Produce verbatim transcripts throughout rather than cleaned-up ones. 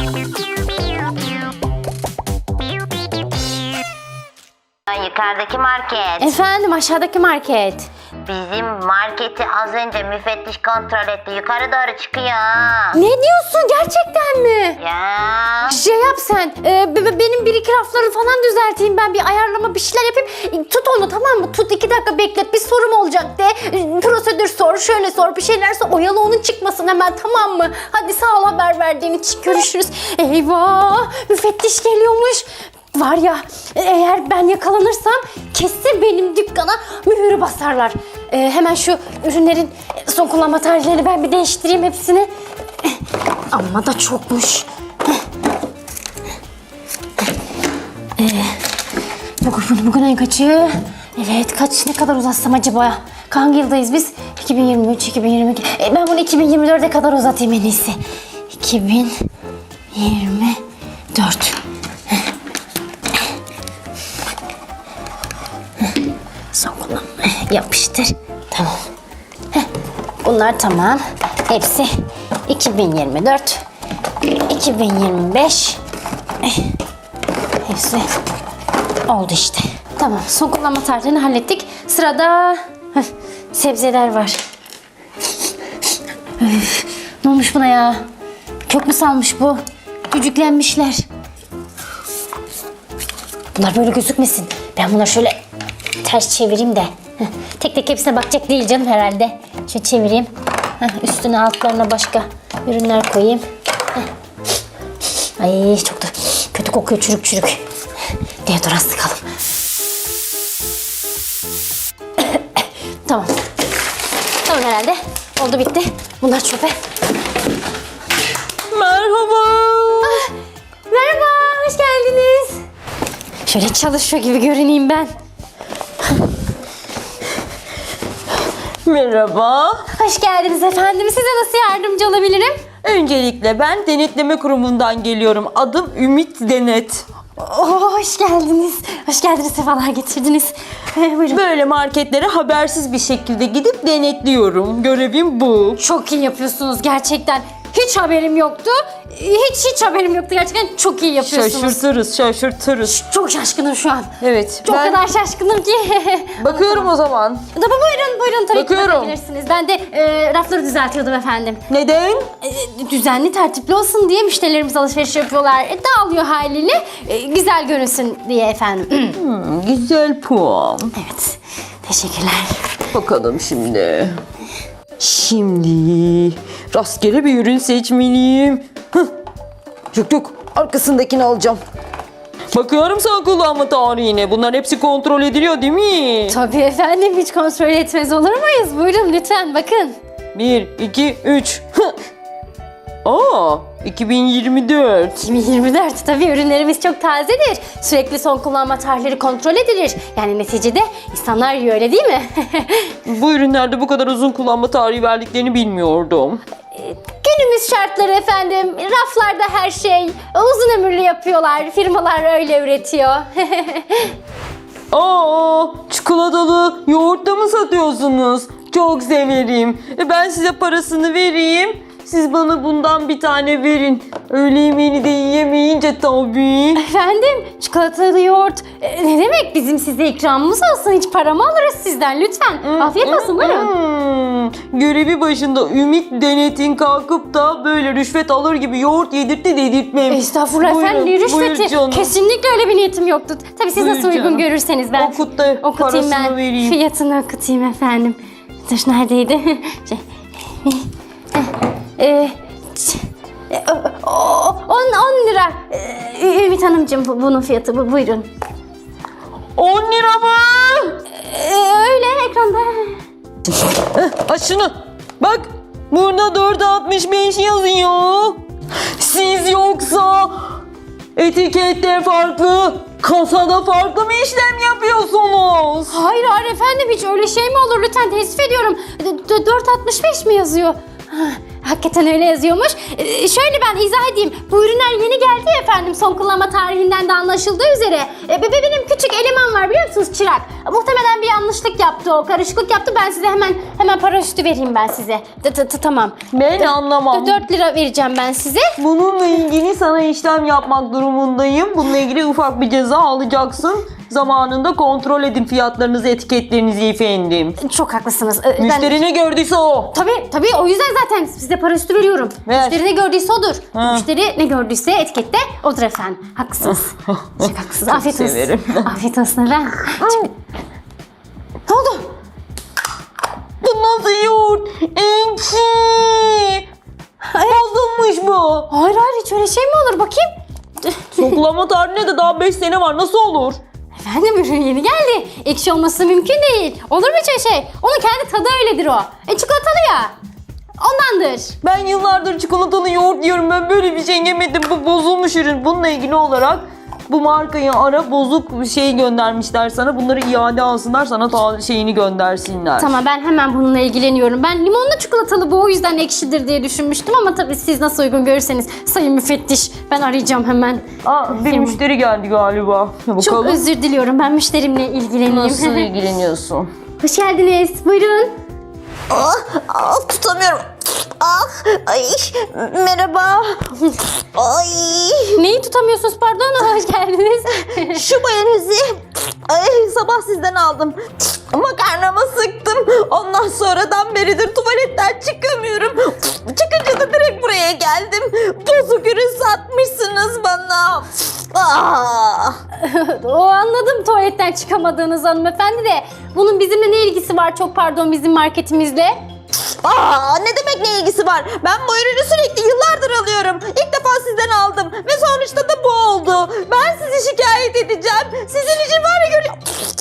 Yukarıdaki market. Efendim, aşağıdaki market. Bizim marketi az önce müfettiş kontrol etti. Yukarı doğru çıkıyor. Ne diyorsun, gerçekten mi? Ya. Şey yap sen, e, be- benim bir iki rafları falan düzelteyim, ben bir ayarlama bir şeyler yapayım. E, Tut onu, tamam mı? Tut, iki dakika beklet, bir sorum olacak de. E, Prosedür sor, şöyle sor, bir şeyler sor. Oyalı, onun çıkmasın hemen, tamam mı? Hadi sağ ol haber verdiğin için, görüşürüz. Eyvah, müfettiş geliyormuş. Var ya, eğer ben yakalanırsam kesin benim dükkana mühürü basarlar. E, hemen şu ürünlerin son kullanma tarihlerini ben bir değiştireyim hepsini. E, Amma da çokmuş. Ee, bugün, bugün ayın kaçı? Evet, kaç, ne kadar uzatsam acaba? Hangi yıldayız biz? iki bin yirmi üç, iki bin yirmi iki. E, ben bunu iki bin yirmi dörde kadar uzatayım en iyisi. iki bin yirmi dört. Son kullanma. Yapıştır. Tamam. Heh, bunlar tamam. Hepsi iki bin yirmi dört, iki bin yirmi beş. Hepsi oldu işte. Tamam, son kullanma tarihini hallettik. Sırada heh, sebzeler var. Üf, ne olmuş buna ya? Kök mü salmış bu? Cücüklenmişler. Bunlar böyle gözükmesin. Ben bunları şöyle ters çevireyim de. Heh, tek tek hepsine bakacak değil canım herhalde. Şöyle çevireyim. Heh, üstüne altlarına başka ürünler koyayım. Heh. Ay çok da kötü kokuyor, çürük çürük. Deodorant sıkalım. Tamam. Tamam herhalde. Oldu, bitti. Bunlar çöpe. Merhaba. Ah, merhaba, hoş geldiniz. Şöyle çalışıyor gibi görüneyim ben. Merhaba. Hoş geldiniz efendim. Size nasıl yardımcı olabilirim? Öncelikle ben denetleme kurumundan geliyorum. Adım Ümit Denet. Oo, hoş geldiniz. Hoş geldiniz, sefalar getirdiniz. Ee, buyurun. Böyle marketlere habersiz bir şekilde gidip denetliyorum. Görevim bu. Çok iyi yapıyorsunuz gerçekten. Hiç haberim yoktu. Hiç hiç haberim yoktu gerçekten. Çok iyi yapıyorsunuz. Şaşırtırız, şaşırtırız. Çok şaşkınım şu an. Evet. Çok ben kadar şaşkınım ki. bakıyorum o zaman. Tabii, buyurun buyurun, tabii ki Bakıyorum. bakabilirsiniz. Ben de e, rafları düzeltiyordum efendim. Neden? E, düzenli, tertipli olsun diye müşterilerimiz alışveriş yapıyorlar. E, dağılıyor haliyle. E, güzel görünsün diye efendim. Hmm, güzel puan. Evet. Teşekkürler. Bakalım şimdi. Şimdi rastgele bir ürün seçmeliyim. Hıh. Yok yok, arkasındakini alacağım. Bakıyorum son kullanma tarihine. Bunlar hepsi kontrol ediliyor değil mi? Tabii efendim, hiç kontrol etmez olur muyuz? Buyurun lütfen bakın. Bir, iki, üç. Hıh. Aa, iki bin yirmi dört. iki bin yirmi dört, tabii ürünlerimiz çok tazedir. Sürekli son kullanma tarihleri kontrol edilir. Yani neticede insanlar yiyor, öyle değil mi? Bu ürünlerde bu kadar uzun kullanma tarihi verdiklerini bilmiyordum. Günümüz şartları efendim. Raflarda her şey uzun ömürlü yapıyorlar. Firmalar öyle üretiyor. Aa, çikolatalı yoğurt da mı satıyorsunuz? Çok severim. E, Ben size parasını vereyim. Siz bana bundan bir tane verin. Öğle yemeğini de yiyemeyince tabii. Efendim, çikolatalı yoğurt. E, ne demek, bizim size ikramımız olsun. Hiç para mı alırız sizden lütfen. Afiyet olsun, buyurun. Hmm, görevi başında Ümit Denet'in kalkıp da böyle rüşvet alır gibi yoğurt yedirtti dedirtmem. Estağfurullah Buyurun, efendim, ne buyur rüşveti? canım. Kesinlikle öyle bir niyetim yoktu. Tabii siz Buyur nasıl uygun canım. görürseniz ben Okut da okutayım, parasını ben vereyim. fiyatını okutayım efendim. Dur, neredeydi? Şey, e, on lira. E, Ümit Hanımcığım, bu- bunun fiyatı bu, buyurun. on lira mı? E, öyle ekranda. Heh, aç şunu. Bak, burada dört altmış beş yazıyor. Siz yoksa etikette farklı, kasada farklı mı işlem yapıyorsunuz? Hayır hayır efendim, hiç öyle şey mi olur, lütfen teessüf ediyorum. dört altmış beş mi yazıyor? Ha, Hakikaten öyle yazıyormuş. Ee, şöyle ben izah edeyim. Bu ürünler yeni geldi ya efendim. Son kullanma tarihinden de anlaşıldığı üzere. Ee, be- benim küçük eleman var biliyor musunuz, çırak. Muhtemelen bir yanlışlık yaptı o. Karışıklık yaptı. Ben size hemen hemen para üstü vereyim ben size. T- t- t- Tamam. Ben anlamam. dört lira vereceğim ben size. Bununla ilgili sana işlem yapmak durumundayım. Bununla ilgili ufak bir ceza alacaksın. Zamanında kontrol edin fiyatlarınızı, etiketlerinizi efendim. Çok haklısınız. Ee, ben- Müşteri ne gördüyse o. Tabii tabii o yüzden zaten size para üstü veriyorum. Ver. Müşteri ne gördüyse odur. Ha. Müşteri ne gördüyse etikette odur efendim. Haklısınız. Çok haklısınız. Afiyet olsun. severim. Afiyet olsun efendim. Ne oldu? Bu nasıl yoğurt? Ekşi. Bozulmuş bu. Hayır hayır hiç öyle şey mi olur bakayım? Sokulama tarihine de daha beş sene var. Nasıl olur? Efendim ürün yeni geldi. Ekşi olması mümkün değil. Olur mu hiç öyle şey? Onun kendi tadı öyledir o. E çikolatalı ya. Ondandır. Ben yıllardır çikolatalı yoğurt yiyorum. Ben böyle bir şey yemedim. Bu bozulmuş ürün. Bununla ilgili olarak bu markayı ara, bozuk şey göndermişler sana. Bunları iade alsınlar, sana ta şeyini göndersinler. Tamam ben hemen bununla ilgileniyorum. Ben limonlu çikolatalı bu o yüzden ekşidir diye düşünmüştüm ama tabii siz nasıl uygun görürseniz sayın müfettiş ben arayacağım hemen. Aa, bir Firma. müşteri geldi galiba. Bakalım. Çok özür diliyorum ben müşterimle ilgileneyim. Nasıl ilgileniyorsun? Hoş geldiniz buyurun. Ah, ah, tutamıyorum. Ah, ay, merhaba. Ay, Neyi tutamıyorsunuz pardon hoş geldiniz. şu mayonezi ay, sabah sizden aldım. Makarnama sıktım. Ondan sonradan beridir tuvaletten çıkamıyorum. Çıkınca da direkt buraya geldim. Bozuk ürün satmışsınız bana. Ah. O anladım tuvaletten çıkamadığınız hanımefendi de bunun bizimle ne ilgisi var çok pardon bizim marketimizle? Aa, ne demek ne ilgisi var? Ben bu ürünü sürekli yıllardır alıyorum. İlk defa sizden aldım ve sonuçta da bu oldu. Ben sizi şikayet edeceğim. Sizin için var ya görüyorum.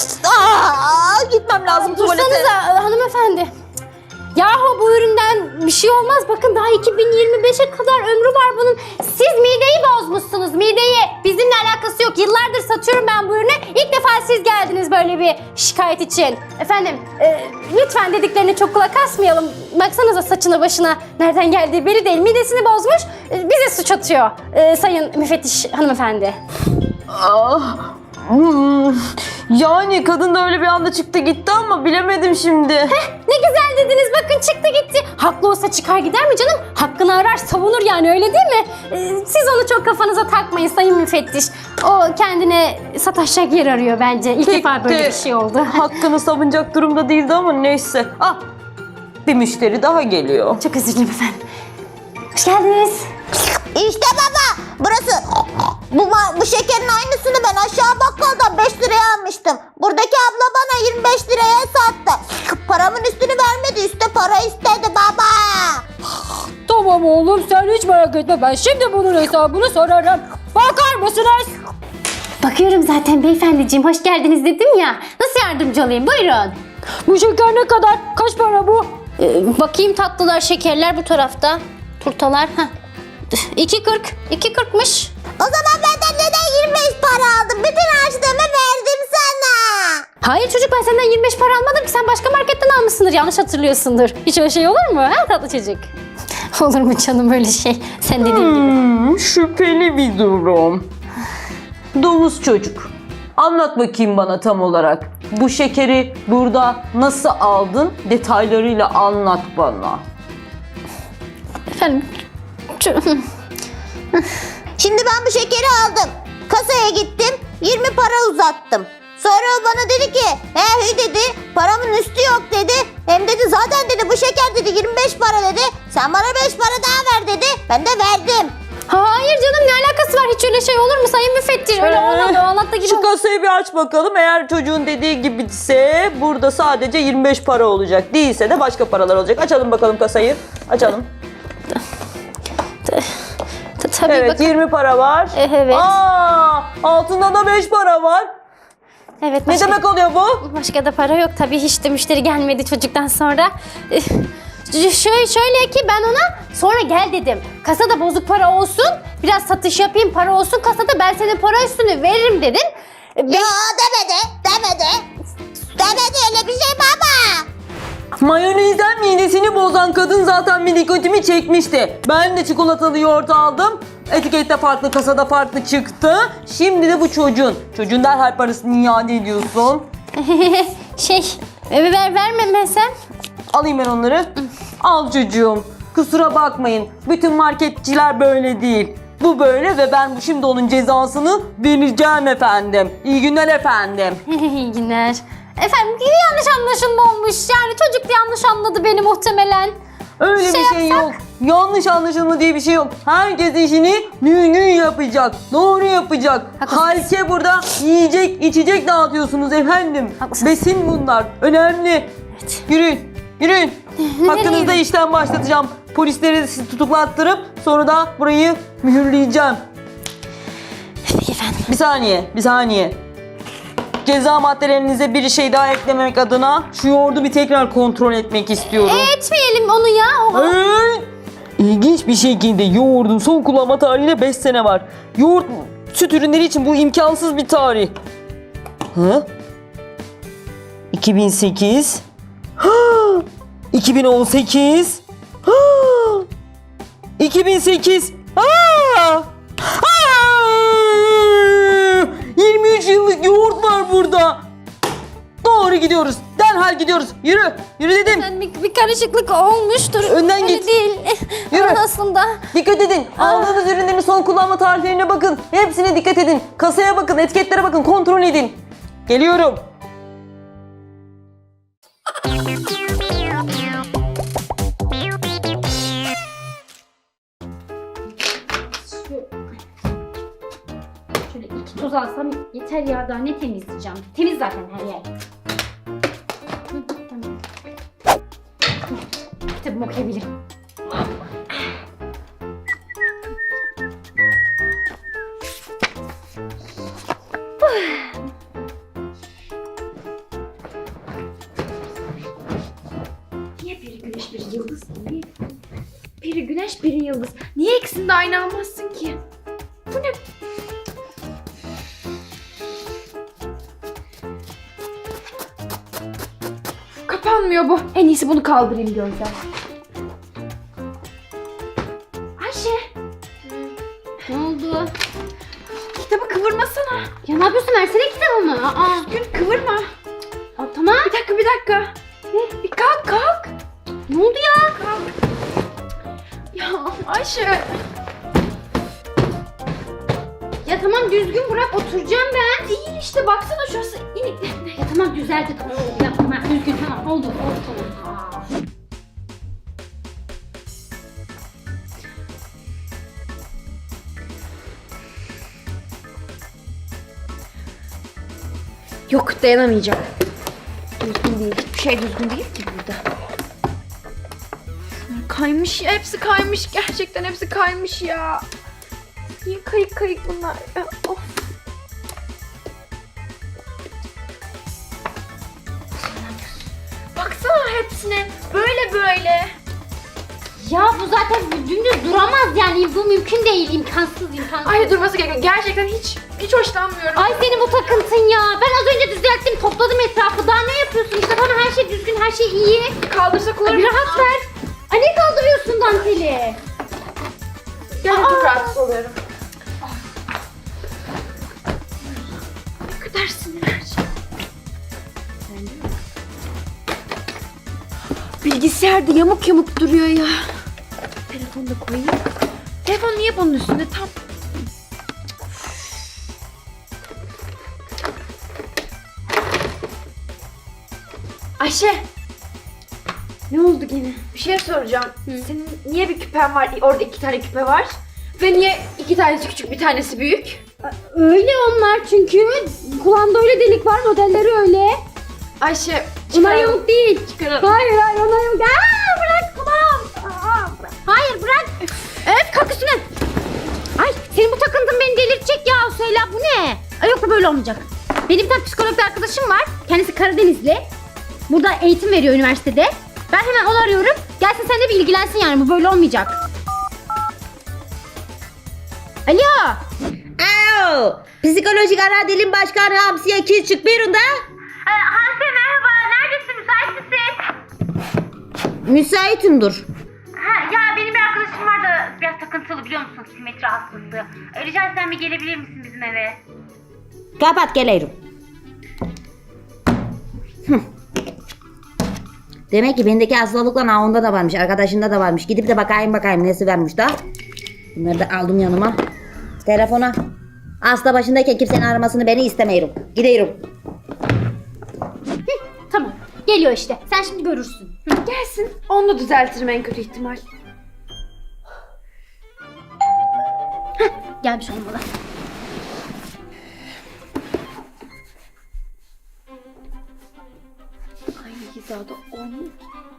Aa, gitmem lazım tuvalete. Dursanıza hanımefendi. Yahu bu üründen bir şey olmaz. Bakın daha iki bin yirmi beşe kadar ömrü var bunun. Siz mideyi bozmuşsunuz. Mideyi. Bizimle alakası yok. Yıllardır satıyorum ben bu ürünü. İlk defa siz geldiniz böyle bir şikayet için. Efendim e, lütfen dediklerine çok kulak asmayalım. Baksanıza saçına başına nereden geldiği belli değil. Midesini bozmuş. E, bize suç atıyor. E, sayın müfettiş hanımefendi. Ah, hmm. Yani kadın da öyle bir anda çıktı gitti ama bilemedim şimdi. Ne güzel dediniz bakın çıktı gitti. Haklı olsa çıkar gider mi canım? Hakkını arar savunur yani öyle değil mi? Ee, siz onu çok kafanıza takmayın sayın müfettiş. O kendine sataşacak yer arıyor bence. İlk Pek defa böyle de bir şey oldu. Hakkını savunacak durumda değildi ama neyse. Ah, bir müşteri daha geliyor. Çok özür dilerim efendim. Hoş geldiniz. İşte baba burası. Bu, ma- bu şekerin aynısını ben aşağı bakkaldan beş liraya almıştım. Buradaki abla bana yirmi beş liraya sattı. Paramın üstünü vermedi, üstte para istedi baba. Tamam oğlum sen hiç merak etme ben şimdi bunun hesabını sorarım. Bakar mısınız? Bakıyorum zaten beyefendiciğim hoş geldiniz dedim ya. Nasıl yardımcı olayım buyurun. Bu şeker ne kadar? Kaç para bu? Ee, bakayım tatlılar şekerler bu tarafta. Turtalar. Heh. iki kırk. iki kırkmış. O zaman benden neden yirmi beş para aldın? Bütün harçlığımı verdim sana. Hayır çocuk ben senden yirmi beş para almadım ki sen başka marketten almışsındır yanlış hatırlıyorsundur. Hiç öyle şey olur mu ha tatlı çocuk? Olur mu canım öyle şey sen dediğin gibi. Hmm, şüpheli bir durum. Domuz çocuk. Anlat bakayım bana tam olarak. Bu şekeri burada nasıl aldın? Detaylarıyla anlat bana. Efendim şu- Şimdi ben bu şekeri aldım. Kasaya gittim, yirmi para uzattım. Sonra o bana dedi ki, he hü dedi, paramın üstü yok dedi. Hem dedi zaten dedi bu şeker dedi yirmi beş para dedi. Sen bana beş para daha ver dedi. Ben de verdim. Hayır canım ne alakası var hiç öyle şey olur mu sayın müfettiş öyle Ee, olmadı o anlattı gibi. Şu kasayı bir aç bakalım. Eğer çocuğun dediği gibiyse burada sadece yirmi beş para olacak. Değilse de başka paralar olacak. Açalım bakalım kasayı. Açalım. Ta- Tabii Evet, bakın. yirmi para var. E, evet. Aa, altında da beş para var. Evet, Ne başka, demek oluyor bu? başka da para yok tabii hiç de müşteri gelmedi çocuktan sonra. Eh, Şöyle, şöyle ki ben ona sonra gel dedim. Kasada bozuk para olsun biraz satış yapayım para olsun kasada ben senin para üstünü veririm dedim. E, Ya demedi, demedi. Demedi öyle bir şey baba. Mayonezden midesini bozan kadın zaten bir dikkatimi çekmişti. Ben de çikolatalı yoğurt aldım. Etikette farklı, kasada farklı çıktı. Şimdi de bu çocuğun. Çocuğun derhal parasını iade ediyorsun. Şey, ver, ver vermemesem. Alayım ben onları. Al çocuğum. Kusura bakmayın. Bütün marketçiler böyle değil. Bu böyle ve ben şimdi onun cezasını vereceğim efendim. İyi günler efendim. İyi günler. Efendim yanlış anlaşılma olmuş. Yani çocuk da yanlış anladı beni muhtemelen. Öyle Şey bir şey yapsak? yok. Yanlış anlaşılma diye bir şey yok. Herkes işini düzgün yapacak. Doğru yapacak. Haklısın. Halke burada yiyecek, içecek dağıtıyorsunuz efendim. Haklısın. Besin bunlar. Önemli. Evet. Yürüyün. Yürüyün. Hakkınızda gidelim? işlem başlatacağım. Polisleri sizi tutuklattırıp sonra da burayı mühürleyeceğim. Peki efendim. Bir saniye, bir saniye. Ceza maddelerinize bir şey daha eklememek adına şu yoğurdu bir tekrar kontrol etmek istiyorum. Etmeyelim onu ya. O- Hey! İlginç bir şekilde yoğurdun son kullanma tarihine beş sene var. Yoğurt süt ürünleri için bu imkansız bir tarih. Hı? iki bin sekiz. Ha! iki bin on sekiz. Ha! iki bin sekiz. Ha! Ha! yirmi üç yıllık yoğurt var burada. Doğru gidiyoruz. Derhal gidiyoruz. Yürü. Yürü dedim. Yani bir, bir karışıklık olmuştur. Önden Öyle git. değil. Yürü. Aslında. Dikkat edin. Aldığınız ürünlerin son kullanma tarihlerine bakın. Hepsine dikkat edin. Kasaya bakın, etiketlere bakın, kontrol edin. Geliyorum. Şöyle iki toz alsam yeter ya, daha ne temizleyeceğim. Temiz zaten her yer. Hı, tamam. Kitabımı okuyabilirim. Niye biri güneş biri yıldız? Niye? Biri güneş biri yıldız. Niye ikisini de aynı almazsın ki? Bu ne? Kapanmıyor bu. En iyisi bunu kaldırayım gözden. Ayşe, Ne oldu? kitabı kıvırmasana. Ya ne yapıyorsun? Versene kitabımı. Aa. Gün kıvırma. Aa, tamam. Bir dakika bir dakika. Ne? Bir kalk kalk. Ne oldu ya? Kalk. Ya Ayşe. Ya tamam, düzgün bırak, oturacağım ben. İyi işte baksana şurası inik. Ya tamam, düzeldi, tamam. Ya tamam, düzgün, tamam. Oldu, oldu, tamam. Aa. Yok dayanamayacağım. Düzgün değil. Hiçbir şey düzgün değil ki burada. Kaymış ya. Hepsi kaymış. Gerçekten hepsi kaymış ya. Niye kayık kayık bunlar ya? Of. Baksana hepsine. Böyle böyle. Ya bu zaten dümdüz duramaz yani. Bu mümkün değil. İmkansız, imkansız. Ay durması gerekiyor. Gerçekten hiç hiç hoşlanmıyorum. Ay senin bu takıntın ya. Ben az önce düzelttim, topladım etrafı. Daha ne yapıyorsun? İşte bana her şey düzgün, her şey iyi. Kaldırsak olur Ay, mu? bir rahat ver. Ay ne kaldırıyorsun danteli? Ben çok rahatsız oluyorum. Ne kadar sinir verici. Bilgisayar da yamuk yamuk duruyor ya. Telefonu da koyayım. Telefon niye bunun üstünde tam? Ayşe, Ne oldu gene? bir şey soracağım. Senin niye bir küpen var? Orada iki tane küpe var. Ve niye iki tanesi küçük, bir tanesi büyük? Öyle onlar çünkü. Kulağında öyle delik var, modelleri öyle. Ayşe, Bunlar çıkaralım. yamuk değil. Çıkaralım. Hayır hayır, onlar yamuk. Aa, bırak kulağım. Aa, bırak. Hayır bırak. Evet, kalk üstüne. Ay senin bu takıntın beni delirtecek ya Söyle, bu ne? Ay yok, bu böyle olmayacak. Benim bir tane psikolog bir arkadaşım var. Kendisi Karadenizli. Burada eğitim veriyor üniversitede. Ben hemen onu arıyorum. Gelsin sen de bir ilgilensin yani, bu böyle olmayacak. Alo. Alo. Psikolojik ara dilim başkanı Hamsiye Küçük buyurun da. Hanse merhaba, neredesin, müsait misin? müsaitimdir. Ha ya benim bir arkadaşım var da biraz takıntılı biliyor musun? Simetri hastası. E, rica etsem bir gelebilir misin bizim eve? Kapat geliyorum. Hıh. Demek ki bendeki hastalıklar ha onda da varmış, arkadaşında da varmış. Gidip de bakayım bakayım nesi varmış da. Bunları da aldım yanıma. Telefona. Hasta başındayken kimsenin aramasını beni istemiyorum. Gidiyorum. Tamam. Geliyor işte. Sen şimdi görürsün. Gelsin. Onu da düzeltirim en kötü ihtimal. Gelmiş olmalı. Aynı hizada olmuyor.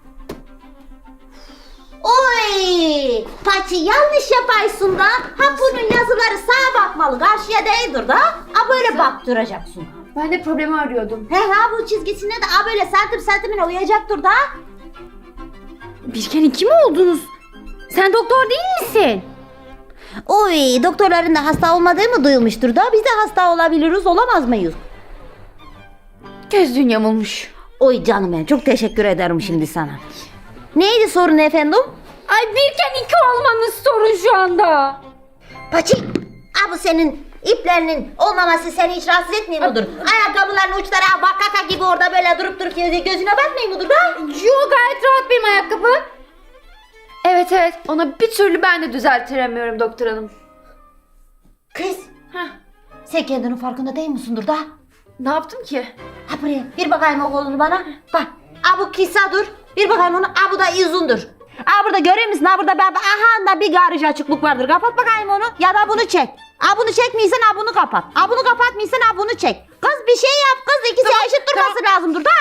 Oy! Paçı yanlış yapaysın da. Ha bunun yazıları sağa bakmalı, karşıya değildir da. Ha böyle baktıracaksın. Ben de problemi arıyordum. He ha bu çizgisine de ha böyle santim santimine uyacaktır da. Birken iki mi oldunuz? Sen doktor değil misin? Oy doktorların da hasta olmadığı mı duyulmuştur da biz de hasta olabiliriz olamaz mıyız? Gözlüğün yamulmuş. Oy canım benim çok teşekkür ederim şimdi sana. Neydi sorun efendim? Ay birken iki olmanız sorun şu anda. Paçi, ha bu senin iplerinin olmaması seni hiç rahatsız etmiyor mudur? Ayakkabıların uçları ha bakaka gibi orada böyle durup durup gözüne batmıyor mudur da? Yo gayet rahat benim ayakkabı. Evet evet. Ona bir türlü ben de düzeltiremiyorum doktor hanım. Kız, Heh. sen kendinin farkında değil misindir da? Ne yaptım ki? Ha buraya bir bakayım o kolunu bana. Bak, ha bu kısadır. Bir bakayım onu, ha bu da uzundur. Ha burada görüyor musun? Ha burada ben, aha da bir garaj açıklık vardır. Kapat bakayım onu ya da bunu çek. Ha bunu çekmiysen ha bunu kapat. Ha bunu kapatmıysan ha bunu çek. Kız bir şey yap kız, ikisi Tamam, eşit durması lazımdır da.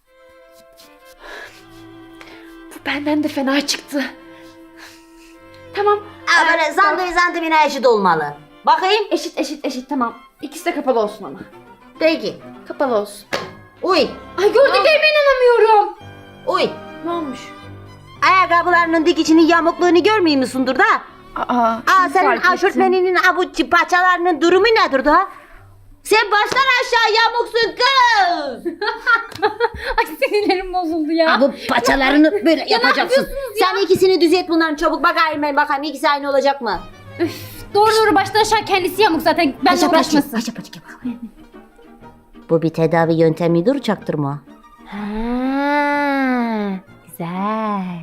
Bu benden de fena çıktı. Tamam. Ha böyle zandemi zandemine eşit olmalı. Bakayım. Eşit eşit eşit tamam. İkisi de kapalı olsun ama. Peki. Kapalı olsun. Uy. Ay gördüklerime inanamıyorum. Uy. Ne olmuş? Ayakkabılarının dikişinin yamukluğunu görmüyor musundur da? Aa, Aa şimdi senin fark ettim. aşortmeninin abuçi paçalarının durumu nedir da? Sen baştan aşağı yamuksun kız. Ay sinirlerim bozuldu ya. Ha, bu paçalarını böyle yapacaksın. yapıyorsunuz ya? Sen ikisini düzelt bunların çabuk bakayım ben bakayım ikisi aynı olacak mı? Doğru doğru baştan aşağı kendisi yamuk zaten. Benle uğraşmasın. Paça paça bak. Bu bir tedavi yöntemidir çaktırma. Ha, güzel.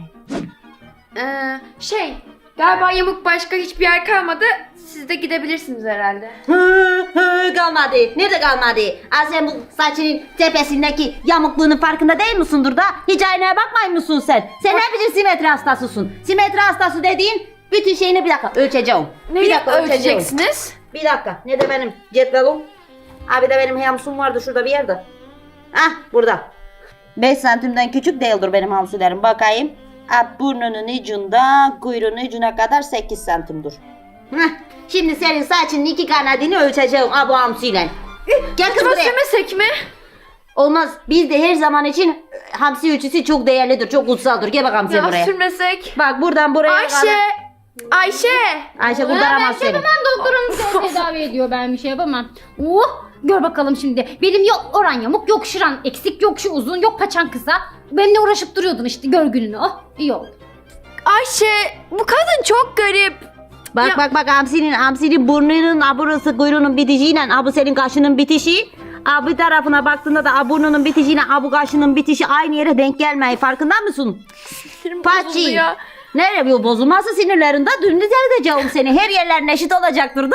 Ee, şey galiba yamuk başka hiçbir yer kalmadı. Siz de gidebilirsiniz herhalde. Hı hı kalmadı. Nerede kalmadı? Aa, sen bu saçının tepesindeki yamukluğunun farkında değil misindir da? Hiç aynaya bakmayın mısın sen? Sen ne biçim simetri hastasısın? Simetri hastası dediğin bütün şeyini bir dakika ölçeceğim. bir Neyi dakika ölçeceğim. ölçeceksiniz? Bir dakika. Ne de benim cetvelim? Abi de benim hamsum vardı şurada bir yerde. Hah burada. beş santimden küçük değildir benim hamsilerim. Bakayım. Ha, burnunun ucunda kuyruğunun ucuna kadar sekiz santimdir. Heh, şimdi senin saçının iki kanadını ölçeceğim ha, bu hamsiyle. Gel kız Acaba buraya. sürmesek mi? Olmaz. Bizde her zaman için hamsi ölçüsü çok değerlidir. Çok kutsaldır. Gel bakalım sen Ya buraya. sürmesek. Bak buradan buraya Ayşe! kadar. Ayşe! Ayşe Ya kurtaramaz ben şey seni. yapamam, doktorum seni tedavi ediyor, ben bir şey yapamam. Oh, gör bakalım şimdi. Benim yok oran yamuk, yok şıran eksik, yok şu uzun, yok paçan kısa. Benimle uğraşıp duruyordun işte, gör gününü. Oh, iyi oldu. Ayşe! Bu kadın çok garip. Bak Ya- bak bak hamsinin hamsinin burnunun aburası kuyruğunun bitişiyle abu senin kaşının bitişi. Abi tarafına baktığında da burnunun bitişiyle abu kaşının bitişi aynı yere denk gelmeyi farkında mısın? Sinirim bozuldu Paçi. ya. Nereye bu bozulması sinirlerinde dün düzelteceğim seni. Her yerlerin eşit olacaktır da.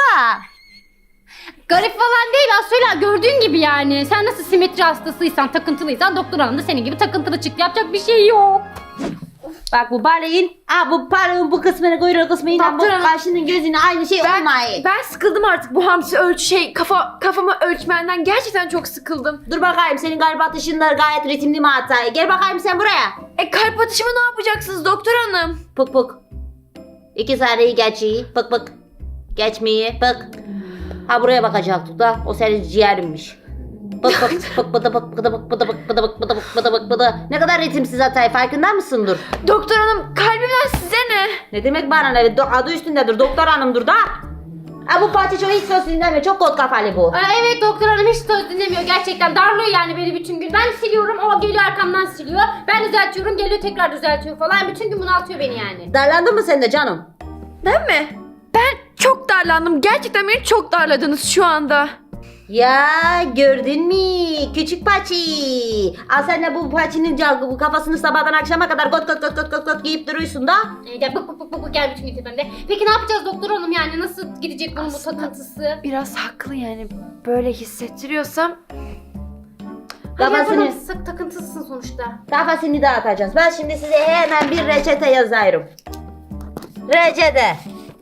Garip falan değil Aslı, gördüğün gibi yani. Sen nasıl simetri hastasıysan, takıntılıysan doktor hanım da senin gibi takıntılı çıktı. Yapacak bir şey yok. Bak bu balığın, aa bu balığın bu kısmını kuyruğu kısmıyla bu Doktor hanım. kaşının gözünü aynı şey Ben, olmayı. ben sıkıldım artık bu hamsi ölçü şey kafa kafamı ölçmenden gerçekten çok sıkıldım. Dur bakayım senin kalp atışınlar gayet ritimli mi hatayı? Gel bakayım sen buraya. E kalp atışımı ne yapacaksınız doktor hanım? Pık pık. İki saniyeyi geçiyi. Pık pık. Geçmeyi. Pık. Ha buraya bakacaktık da o senin ciğerinmiş. Pık pık pık pıdı pık pıdı pık pıdı pık pıdı pık pıdı pık pıdı pık pıdı. Ne kadar ritimsiz hatayı farkında mısındır? Doktor hanım kalbimden size ne? Ne demek bana ne? Do- Adı üstündedir. Doktor hanımdır da. Ha bu Patiço hiç söz dinlemiyor. Çok kot kafalı bu. Aa, evet doktor hanım hiç söz dinlemiyor. Gerçekten darlıyor yani beni bütün gün. Ben siliyorum, o geliyor arkamdan siliyor. Ben düzeltiyorum, geliyor tekrar düzeltiyor falan. Bütün gün bunaltıyor beni yani. Darlandın mı sen de canım? Ben mi? Ben çok darlandım. Gerçekten beni çok darladınız şu anda. Ya gördün mü küçük Paçi? Al sen de bu Paçi'nin cal- bu kafasını sabahdan akşama kadar kot kot kot kot kot kot giyip duruyorsun da. Ee, gel bık bık bık bık gel bütün gün tepemde. Peki ne yapacağız doktor hanım yani? Nasıl gidecek bunun bu Aslında- takıntısı? Biraz haklı yani. Böyle hissettiriyorsam. Hadi Kafasını- yapalım, sık takıntısın sonuçta. Kafasını dağıtacağız. Ben şimdi size hemen bir reçete yazıyorum. Reçete.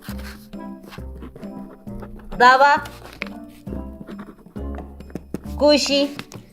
Dava. Kuşi.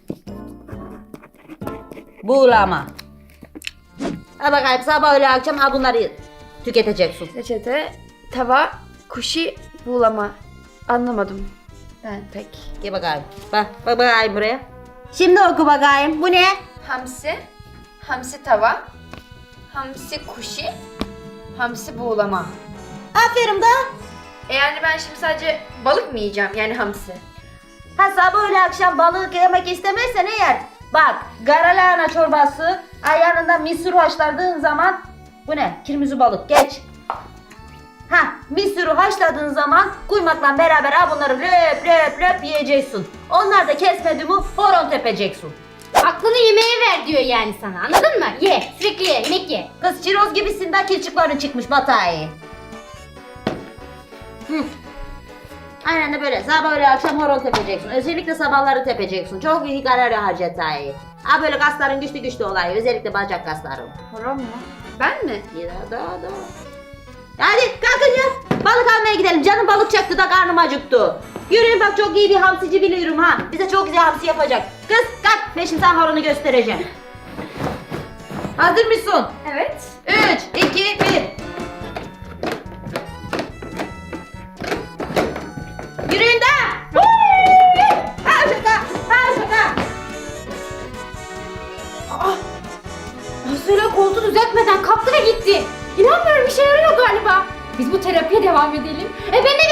Buğulama. Ha bakayım sabah öyle akşam ha bunları tüketeceksin. Reçete, tava, kuşi, buğulama. Anlamadım. Ben pek. Gel bakayım. Bak, bak bakayım buraya. Şimdi oku bakayım. Bu ne? Hamsi, hamsi tava, hamsi kuşi, hamsi buğulama. Aferin da. E yani ben şimdi sadece balık mı yiyeceğim yani hamsi? Ha sabah öyle akşam balık yemek istemezsen eğer bak garalahana çorbası ay yanında misur haşladığın zaman bu ne? Kirmizi balık geç. Ha misuru haşladığın zaman kuymakla beraber ha bunları löp löp löp yiyeceksin. Onlar da kesmedi mi horon tepeceksin. Aklını yemeğe ver diyor yani sana, anladın mı? Ye, sürekli ye, yemek ye. Kız çiroz gibisin de kilçiklerin çıkmış Batay. Hı. Aynen de böyle sabah öyle akşam horon tepeceksin. Özellikle sabahları tepeceksin. Çok iyi kalori harcatayı. Ha böyle kasların güçlü güçlü olayı. Özellikle bacak kasların. Horon mu? Ben mi? Ya da da. Hadi kalkın ya. Balık almaya gidelim. Canım balık çaktı da karnım acıktı. Yürüyün bak çok iyi bir hamsici biliyorum ha. Bize çok güzel hamsi yapacak. Kız kalk ben şimdi sana horonu göstereceğim. Hazır mısın? Evet. üç, iki, bir. Yürüyün de. Ha şaka, ha şaka. Nasıl koltuğu düzeltmeden kalktı ve gitti. İnanmıyorum, işe yarıyor galiba. Biz bu terapiye devam edelim. E ben ne